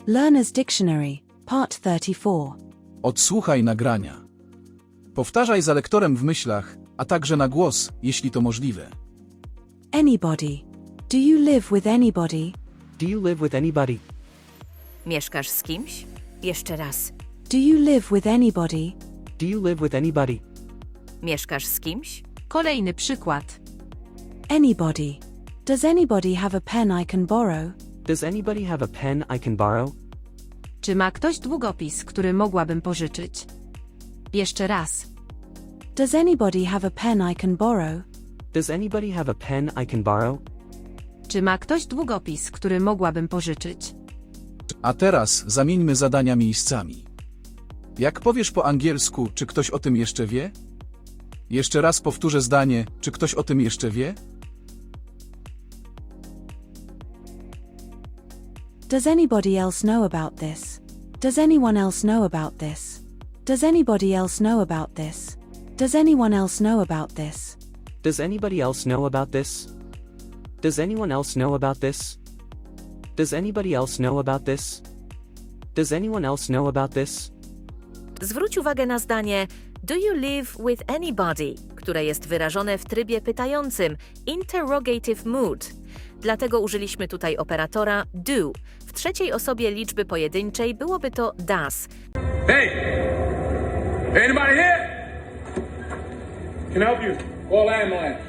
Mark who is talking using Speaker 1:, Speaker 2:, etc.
Speaker 1: Learner's Dictionary, Part 34.
Speaker 2: Odsłuchaj nagrania. Powtarzaj za lektorem w myślach, a także na głos, jeśli to możliwe.
Speaker 1: Anybody. Do you live with anybody?
Speaker 3: Do you live with anybody?
Speaker 4: Mieszkasz z kimś? Jeszcze raz.
Speaker 1: Do you live with anybody?
Speaker 3: Do you live with anybody?
Speaker 4: Mieszkasz z kimś?
Speaker 5: Kolejny przykład.
Speaker 1: Anybody. Does anybody have a pen I can borrow?
Speaker 3: Does anybody have a pen I can borrow?
Speaker 5: Czy ma ktoś długopis, który mogłabym pożyczyć? Jeszcze raz.
Speaker 1: Does anybody have a pen I can borrow?
Speaker 3: Does anybody have a pen I can borrow?
Speaker 5: Czy ma ktoś długopis, który mogłabym pożyczyć?
Speaker 2: A teraz zamieńmy zadania miejscami. Jak powiesz po angielsku, czy ktoś o tym jeszcze wie? Jeszcze raz powtórzę zdanie, czy ktoś o tym jeszcze wie?
Speaker 1: Does anybody else know about this? Does anyone else know about this? Does anybody else know about this? Does anyone else know about this?
Speaker 3: Does anybody else know about this? Does anyone else know about this? Does anybody else know about this? Does anyone else know about this?
Speaker 4: Zwróć uwagę na zdanie Do you live with anybody, które jest wyrażone w trybie pytającym, interrogative mood. Dlatego użyliśmy tutaj operatora do. W trzeciej osobie liczby pojedynczej byłoby to does.
Speaker 6: Hey! Anybody here? Can I help you? Call ambulance.